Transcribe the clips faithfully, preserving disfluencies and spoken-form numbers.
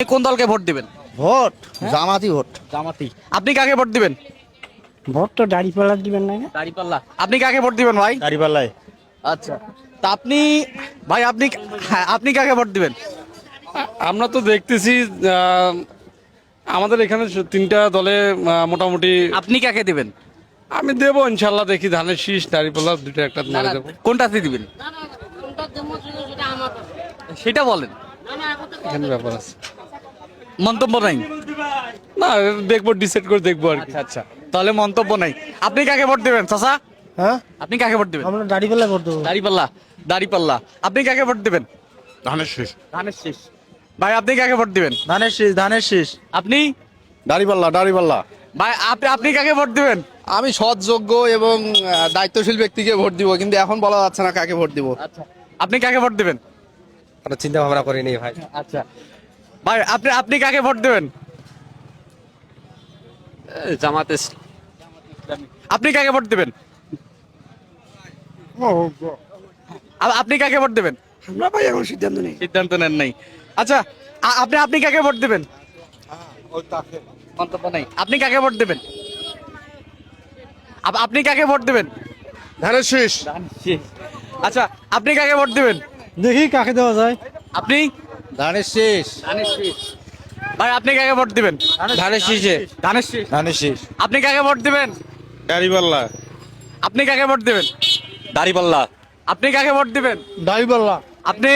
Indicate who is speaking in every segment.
Speaker 1: কোন দলকে ভোট দিবেন?
Speaker 2: ভোট জামাতি ভোট।
Speaker 1: জামাতি। আপনি কাকে ভোট দিবেন?
Speaker 3: ভোট তো দাঁড়িপাল্লা দিবেন না?
Speaker 1: দাঁড়িপাল্লা। আপনি কাকে ভোট দিবেন ভাই?
Speaker 2: দাঁড়িপাল্লায়।
Speaker 1: আচ্ছা, তা আপনি ভাই আপনি হ্যাঁ, আপনি কাকে ভোট দিবেন?
Speaker 4: আমরা তো দেখতেছি আহ, আমাদের এখানে তিনটা দলে আহ, মোটামুটি
Speaker 1: আপনি কাকে দিবেন?
Speaker 4: আমি দেবো ইনশাল্লাহ, দেখি ধানের শীষ নারীপাল্লা দুটো একটা
Speaker 1: না,
Speaker 4: মেরে
Speaker 1: না,
Speaker 4: দেবো।
Speaker 1: কোনটাতে দিবেন সেটা বলেন।
Speaker 4: এখানে ব্যাপার আছে,
Speaker 1: মন্তব্য নাই।
Speaker 4: না দেখবো, ডিসাইড করে দেখবো আর কি।
Speaker 1: আচ্ছা আচ্ছা, তাহলে মন্তব্য নাই। আপনি কাকে ভোট দিবেন চাচা?
Speaker 3: হ্যাঁ,
Speaker 1: আপনি কাকে ভোট দিবেন?
Speaker 3: আমরা দাঁড়িপাল্লা ভোট দেবো।
Speaker 1: দাঁড়িপাল্লা। দাঁড়িপাল্লা। আপনি কাকে ভোট দিবেন?
Speaker 2: ধানের শীষ।
Speaker 1: ধানের শীষ। ভাই আপনি কাকে ভোট দিবেন?
Speaker 2: ধানের শীষ। ধানের শীষ।
Speaker 1: আপনি
Speaker 2: দাঁড়িপাল্লা। দাঁড়িপাল্লা।
Speaker 1: ভাই আপনি আপনি কাকে ভোট দিবেন?
Speaker 5: আমি সৎযোগ্য এবং আহ, দায়িত্বশীল ব্যক্তিকে ভোট দিব, কিন্তু এখন বলা যাচ্ছে না কাকে ভোট দিব।
Speaker 1: আচ্ছা, আপনি কাকে ভোট দিবেন?
Speaker 6: কোনো চিন্তা ভাবনা করিনি ভাই।
Speaker 1: আচ্ছা ভাই আপনি আপনি কাকে ভোট দিবেন?
Speaker 6: জামাতে
Speaker 1: আপনি কাকে ভোট দিবেন? আ- আপনি কাকে ভোট দিবেন?
Speaker 3: আমরা ভাই এখন সিদ্ধান্ত নেই।
Speaker 1: সিদ্ধান্ত নেন নাই। আচ্ছা, আ- আপনি আপনি কাকে ভোট দিবেন? মন্তব্য নাই। আপনি কাকে ভোট দিবেন? আপ- আপনি কাকে ভোট দিবেন?
Speaker 2: ধানের শীষ।
Speaker 1: আচ্ছা, আপনি কাকে ভোট দিবেন?
Speaker 3: দেখি কাকে দেওয়া যায়।
Speaker 1: আপনি?
Speaker 2: ধানের শীষ।
Speaker 1: ভাই আপনি কাকে ভোট দিবেন?
Speaker 2: ধানের শীষে।
Speaker 1: ধানের শীষ।
Speaker 2: ধানের শীষ।
Speaker 1: আপনি কাকে ভোট দিবেন?
Speaker 2: দাঁড়িপাল্লা।
Speaker 1: আপনি কাকে ভোট দিবেন?
Speaker 2: দাঁড়িপাল্লা।
Speaker 1: আপনি কাকে ভোট দিবেন?
Speaker 3: দাঁড়িপাল্লা।
Speaker 1: আপনি?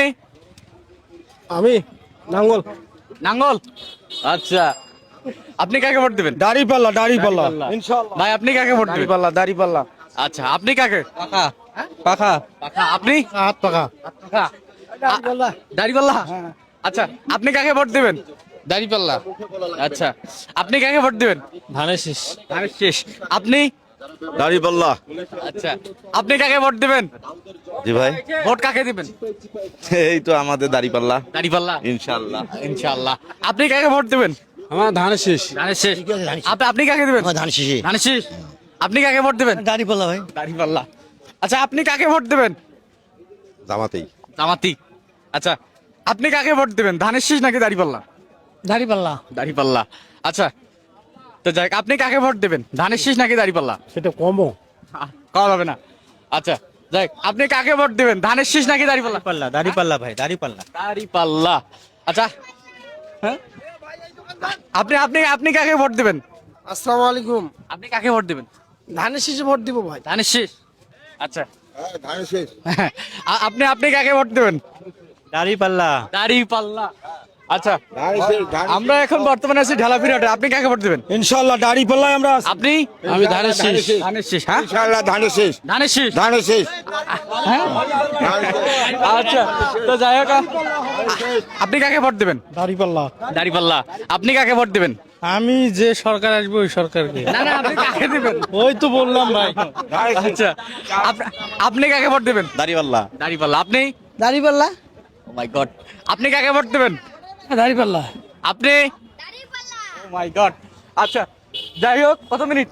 Speaker 3: আমি নাঙ্গল।
Speaker 1: নাঙ্গল। আচ্ছা, আপনি কাকে ভোট দিবেন?
Speaker 3: দাঁড়িপাল্লা। দাঁড়িপাল্লা।
Speaker 1: ভাই আপনি কাকে ভোট দিবেন?
Speaker 3: দাঁড়িপাল্লা। দাঁড়িপাল্লা।
Speaker 1: আচ্ছা, আপনি কাকে?
Speaker 2: পাখা। পাখা।
Speaker 1: পাখা। আপনি?
Speaker 3: হাত পাকা।
Speaker 1: পাখা। দাড়িপাল্লা। আচ্ছা, আপনি কাকে ভোট দিবেন?
Speaker 5: দাঁড়িপাল্লা।
Speaker 1: আচ্ছা, আপনি কাকে ভোট দিবেন?
Speaker 2: ধানের শীষ।
Speaker 1: ধানের শীষ। আপনি?
Speaker 2: দাঁড়িপাল্লা।
Speaker 1: আচ্ছা, আপনি কাকে ভোট দিবেন?
Speaker 2: জি ভাই,
Speaker 1: ভোট কাকে দিবেন?
Speaker 2: এই তো আমাদের দাঁড়িপাল্লা
Speaker 1: দাড়িপাল্লা।
Speaker 2: ইনশাল্লাহ।
Speaker 1: ইনশাআল্লাহ। আপনি কাকে ভোট দিবেন?
Speaker 3: আমার ধানের শেষ।
Speaker 1: ধানের শীষ। আপনি আপনি কাকে দিবেন?
Speaker 3: ধান শেষে।
Speaker 1: ধানের শীষ। আপনি কাকে ভোট দিবেন?
Speaker 3: দাঁড়িপাল্লা ভাই।
Speaker 1: দাড়িপাল্লা। আচ্ছা, আপনি কাকে ভোট দিবেন?
Speaker 2: জামাতেই।
Speaker 1: জামাতি। আচ্ছা, আপনি কাকে ভোট দিবেন? ধানের শীষ নাকি দাড়িপাল্লা?
Speaker 3: দাঁড়িপাল্লা।
Speaker 1: দাড়িপাল্লা। আচ্ছা, তো যাই হোক, আপনি কাকে ভোট দেবেন? ধানের শীষ নাকি দাড়িপাল্লা?
Speaker 3: সেটা কমো।
Speaker 1: কম হবে না। আচ্ছা, যাই হোক, আপনি কাকে ভোট দেবেন? ধানের শীষ নাকি দাড়িপাল্লা?
Speaker 2: পাল্লা। দাঁড়িপাল্লা ভাই। দাঁড়িপাল্লা।
Speaker 1: দাড়িপাল্লা। আচ্ছা, হ্যাঁ, আপনি আপনি আপনি কাকে ভোট দেবেন?
Speaker 3: আসসালামু আলাইকুম।
Speaker 1: আপনি কাকে ভোট দেবেন?
Speaker 3: ধানের শেষে ভোট দিব ভাই।
Speaker 1: ধানের শীষ। আচ্ছা,
Speaker 2: ধানের শীষ।
Speaker 1: আ- আপনি আপনি কাকে ভোট দেবেন?
Speaker 2: দাঁড়িপাল্লা।
Speaker 1: দাড়িপাল্লা। আচ্ছা, আমরা এখন বর্তমানে আছি ঢালাপিরাটে। আপনি কাকে ভোট দেবেন?
Speaker 3: ইনশাআল্লাহ দাঁড়িপাল্লায় আমরা আছি।
Speaker 1: আপনি?
Speaker 3: আমি ধানের শেষ।
Speaker 1: ধানের শীষ। হ্যাঁ,
Speaker 2: ইনশাল্লাহ ধানের শীষ।
Speaker 1: ধানের শীষ।
Speaker 2: ধানের শীষ।
Speaker 1: হ্যাঁ? আচ্ছা, তো যাই হোক, আ- আপনি কাকে ভোট দেবেন?
Speaker 3: দাঁড়িপাল্লা।
Speaker 1: দাড়িপাল্লা। আপনি কাকে ভোট দেবেন?
Speaker 3: আমি যে সরকার আসবে ওই সরকারকে।
Speaker 1: না না, আপনি কাকে দিবেন?
Speaker 3: ওই তো বললাম ভাই।
Speaker 1: আচ্ছা, আপ- আপনি কাকে ভোট দেবেন?
Speaker 2: দাঁড়িপাল্লা।
Speaker 1: দাড়িপাল্লা। আপনি?
Speaker 3: দাঁড়িপাল্লা।
Speaker 1: Oh my god. আপনি কাকে ভোট দেবেন?
Speaker 3: দাঁড়িপাল্লা।
Speaker 1: আপনি? Oh my god. আচ্ছা, যাই হোক, কত মিনিট?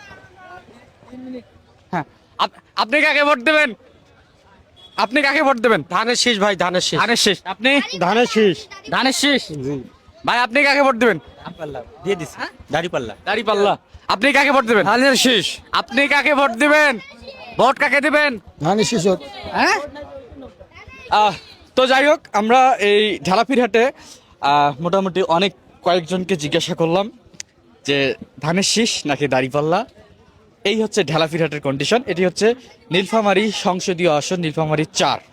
Speaker 1: হ্যাঁ, আপ- আপনি কাকে ভোট দেবেন? আপনি কাকে ভোট দেবেন?
Speaker 3: ধানের শেষ ভাই। ধানের শেষ।
Speaker 1: ধানের শীষ। আপনি?
Speaker 3: ধানের শেষ।
Speaker 1: ধানের শীষ। ভাই আপনি কাকে ভোট দেবেন?
Speaker 2: দিয়ে দিস। দাঁড়িপাল্লা।
Speaker 1: দাড়িপাল্লা। আপনি কাকে ভোট দেবেন?
Speaker 3: ধানের শেষ।
Speaker 1: আপনি কাকে ভোট দিবেন? ভোট কাকে দিবেন?
Speaker 3: ধানের শেষ।
Speaker 1: হ্যাঁ, আহ, তো যাই হোক, আমরা এই ঢালাপিরহাটে আহ, মোটামুটি অনেক কয়েকজনকে জিজ্ঞাসা করলাম যে ধানের শীষ নাকি দাড়িপাল্লা। এই হচ্ছে ঢালাপিরহাটের কন্ডিশন। এটি হচ্ছে নীলফামারী সংসদীয় আসন, নীলফামারী চার।